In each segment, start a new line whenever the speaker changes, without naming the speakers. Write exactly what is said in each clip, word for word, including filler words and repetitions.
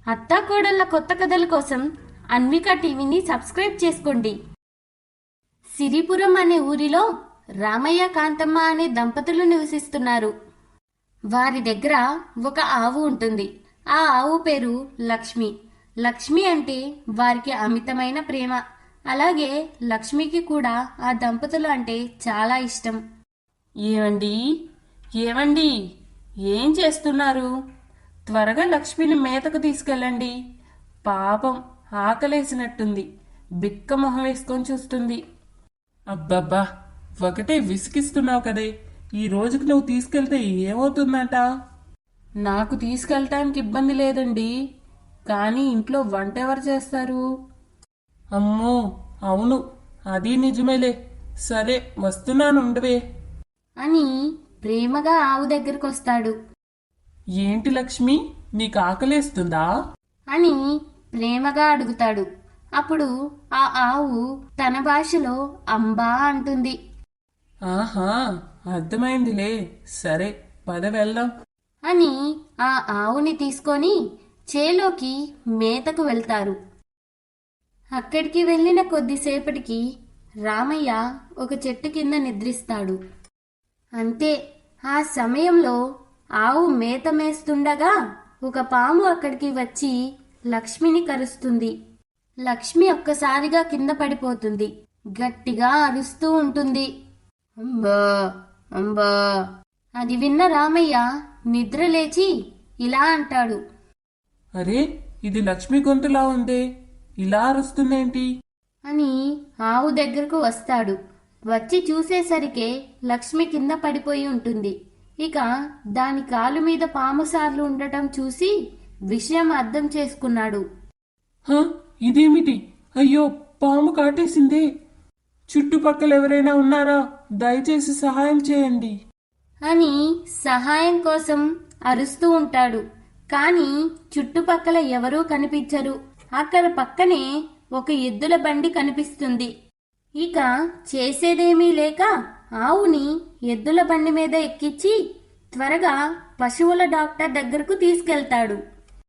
అత్తాకోడళ్ళ కొత్త కథల కోసం అన్విక టీవీని సబ్స్క్రైబ్ చేసుకోండి. సిరిపురం అనే ఊరిలో రామయ్య కాంతమ్మ అనే దంపతులు నివసిస్తున్నారు. వారి దగ్గర ఒక ఆవు ఉంటుంది. ఆ ఆవు పేరు లక్ష్మి. లక్ష్మి అంటే వారికి అమితమైన ప్రేమ. అలాగే లక్ష్మికి కూడా ఆ దంపతులు అంటే చాలా ఇష్టం.
ఏమండి ఏమండి ఏం చేస్తున్నారు? త్వరగా లక్ష్మిని మేతకు తీసుకెళ్ళండి. పాపం ఆకలేసినట్టుంది. బిక్క మొహం వేసుకొని చూస్తుంది. అబ్బబ్బా, ఒకటే విసిగిస్తున్నావు కదే. ఈ రోజుకి నువ్వు తీసుకెళ్తే ఏమవుతుందట? నాకు తీసుకెళ్ళటానికి ఇబ్బంది లేదండి, కానీ ఇంట్లో వంట ఎవరు చేస్తారు? అమ్మో, అవును, అది నిజమేలే. సరే, వస్తున్నాను, ఉండవే
అని ప్రేమగా ఆవు దగ్గరకొస్తాడు.
ఏంటి లక్ష్మి, నీకు ఆకలేస్తుందా
అని ప్రేమగా అడుగుతాడు. అప్పుడు ఆ ఆవు తన భాషలో అంబా అంటుంది.
ఆహా, అర్థమైందిలే. సరే, పద వెళ్దాం
అని ఆ ఆవుని తీసుకొని చేలోకి మేతకు వెళ్తారు. అక్కడికి వెళ్ళిన కొద్దిసేపటికి రామయ్య ఒక చెట్టు కింద నిద్రిస్తాడు. అంతే, ఆ సమయంలో ఆవు మేత మేస్తుండగా ఒక పాము అక్కడికి వచ్చి లక్ష్మిని కరుస్తుంది. లక్ష్మి ఒక్కసారిగా కింద పడిపోతుంది. గట్టిగా అరుస్తూ ఉంటుంది, అంబా అంబా. అది విన్న రామయ్య నిద్ర లేచి ఇలా అంటాడు,
అరే, ఇది లక్ష్మి గొంతులా ఉందే, ఇలా అరుస్తుందేంటి?
అని ఆవు దగ్గరకు వస్తాడు. వచ్చి చూసేసరికే లక్ష్మి కింద పడిపోయి ఉంటుంది. ఇక దాని కాలు మీద పాము సార్లు ఉండటం చూసి విషయం అర్థం చేసుకున్నాడు.
హ, ఇదేమిటి? అయ్యో, పాము కాటేసిందే. చుట్టుపక్కల ఎవరైనా ఉన్నారా? దయచేసి సహాయం చేయండి
అని సహాయం కోసం అరుస్తూ ఉంటాడు. కానీ చుట్టుపక్కల ఎవరూ కనిపించరు. అక్కడ పక్కనే ఒక ఎద్దుల బండి కనిపిస్తుంది. ఇక చేసేదేమీ లేక ఆవుని ఎద్దుల బండి మీద ఎక్కించి త్వరగా పశువుల డాక్టర్ దగ్గరకు తీసుకెళ్తాడు.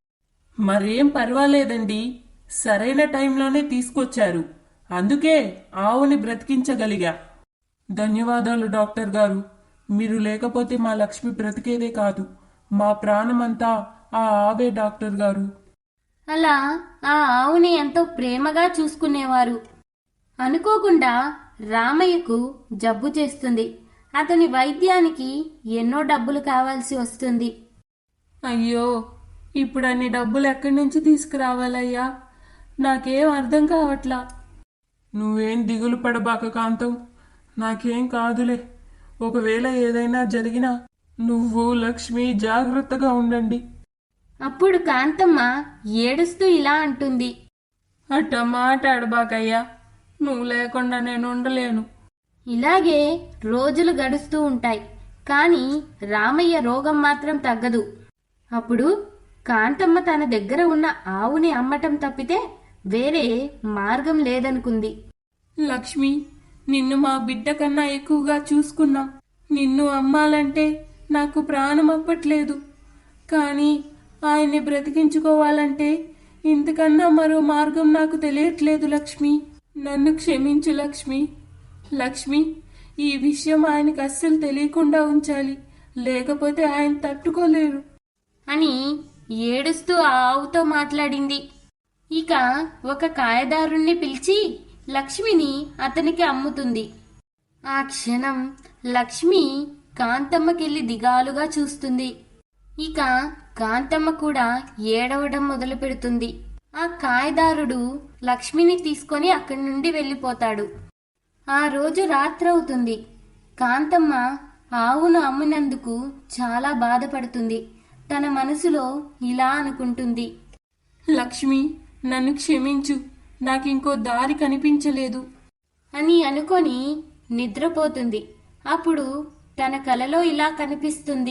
మరేం పర్వాలేదండి, సరైన టైంలోనే తీసుకొచ్చారు. అందుకే ఆవుని బ్రతికించగలిగా. ధన్యవాదాలు డాక్టర్ గారు. మీరు లేకపోతే మా లక్ష్మి బ్రతికేదే కాదు. మా ప్రాణమంతా ఆ ఆవే డాక్టర్ గారు.
అలా ఆ ఆవుని ఎంతో ప్రేమగా చూసుకునేవారు. అనుకోకుండా రామయ్యకు జబ్బు చేస్తుంది. అతని వైద్యానికి ఎన్నో డబ్బులు కావాల్సి వస్తుంది.
అయ్యో, ఇప్పుడు అన్ని డబ్బులు ఎక్కడి నుంచి తీసుకురావాలయ్యా? నాకేం అర్థం కావట్లా. నువ్వేం దిగులు పడబాక కాంతం, నాకేం కాదులే. ఒకవేళ ఏదైనా జరిగినా నువ్వు లక్ష్మి జాగ్రత్తగా ఉండండి.
అప్పుడు కాంతమ్మ ఏడుస్తూ ఇలా అంటుంది,
అట్ట మాట్లాడబాకయ్యా, నువ్వు లేకుండా నేను ఉండలేను.
ఇలాగే రోజులు గడుస్తూ ఉంటాయి. కానీ రామయ్య రోగం మాత్రం తగ్గదు. అప్పుడు కాంతమ్మ తన దగ్గర ఉన్న ఆవుని అమ్మటం తప్పితే వేరే మార్గం లేదనుకుంది.
లక్ష్మి, నిన్ను మా బిడ్డ కన్నా ఎక్కువగా చూసుకున్నా. నిన్ను అమ్మాలంటే నాకు ప్రాణం అప్పట్లేదు. కానీ ఆయన్ని బ్రతికించుకోవాలంటే ఇంతకన్నా మరో మార్గం నాకు తెలియట్లేదు. లక్ష్మి, నన్ను క్షమించు లక్ష్మి. లక్ష్మి, ఈ విషయం ఆయనకు అస్సలు తెలియకుండా ఉంచాలి, లేకపోతే ఆయన తట్టుకోలేరు
అని ఏడుస్తూ ఆ ఆవుతో మాట్లాడింది. ఇక ఒక కాయదారుణ్ణి పిలిచి లక్ష్మిని అతనికి అమ్ముతుంది. ఆ క్షణం లక్ష్మి కాంతమ్మకెళ్ళి దిగాలుగా చూస్తుంది. ఇక కాంతమ్మ కూడా ఏడవడం మొదలు పెడుతుంది. ఆ కాయదారుడు లక్ష్మిని తీసుకొని అక్కడి నుండి వెళ్ళిపోతాడు. ఆ రోజు రాత్రవుతుంది. కాంతమ్మ ఆవును అమ్మినందుకు చాలా బాధపడుతుంది. తన మనసులో ఇలా అనుకుంటుంది,
లక్ష్మి, నన్ను క్షమించు, నాకింకో దారి కనిపించలేదు
అని అనుకొని నిద్రపోతుంది. అప్పుడు తన కలలో ఇలా కనిపిస్తుంది,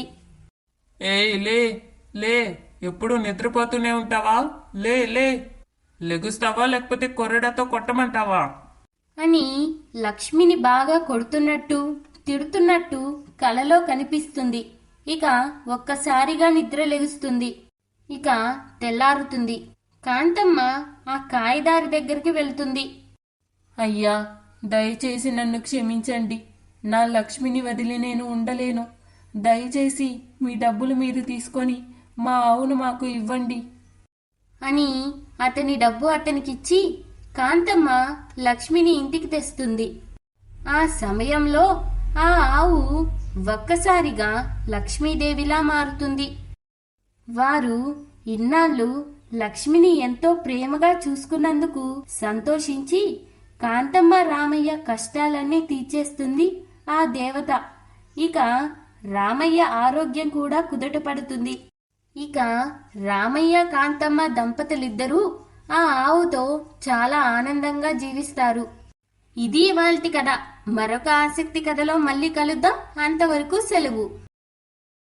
ఏ లే లే, ఎప్పుడు నిద్రపోతూనే ఉంటావా? లే లే, లెగుస్తావా లేకపోతే కొరడాతో కొట్టమంటావా?
అని లక్ష్మిని బాగా కొడుతున్నట్టు తిడుతున్నట్టు కలలో కనిపిస్తుంది. ఇక ఒక్కసారిగా నిద్ర లెగుస్తుంది. ఇక తెల్లారుతుంది. కాంతమ్మ ఆ కాయదారి దగ్గరికి వెళ్తుంది.
అయ్యా, దయచేసి నన్ను క్షమించండి. నా లక్ష్మిని వదిలి నేను ఉండలేను. దయచేసి మీ డబ్బులు మీరు తీసుకొని మా ఆవును మాకు ఇవ్వండి
అని అతని డబ్బు అతనికిచ్చి కాంతమ్మ లక్ష్మిని ఇంటికి తెస్తుంది. ఆ సమయంలో ఆ ఆవు ఒక్కసారిగా లక్ష్మీదేవిలా మారుతుంది. వారు ఇన్నాళ్ళు లక్ష్మిని ఎంతో ప్రేమగా చూసుకున్నందుకు సంతోషించి కాంతమ్మ రామయ్య కష్టాలన్నీ తీర్చేస్తుంది ఆ దేవత. ఇక రామయ్య ఆరోగ్యం కూడా కుదుటపడుతుంది. ఇక రామయ్య కాంతమ్మ దంపతులిద్దరూ ఆ ఆవుతో చాలా ఆనందంగా జీవిస్తారు. ఇది ఇవాల్టి కథ. మరొక ఆసక్తి కథలో మళ్ళీ కలుద్దాం. అంతవరకు సెలవు.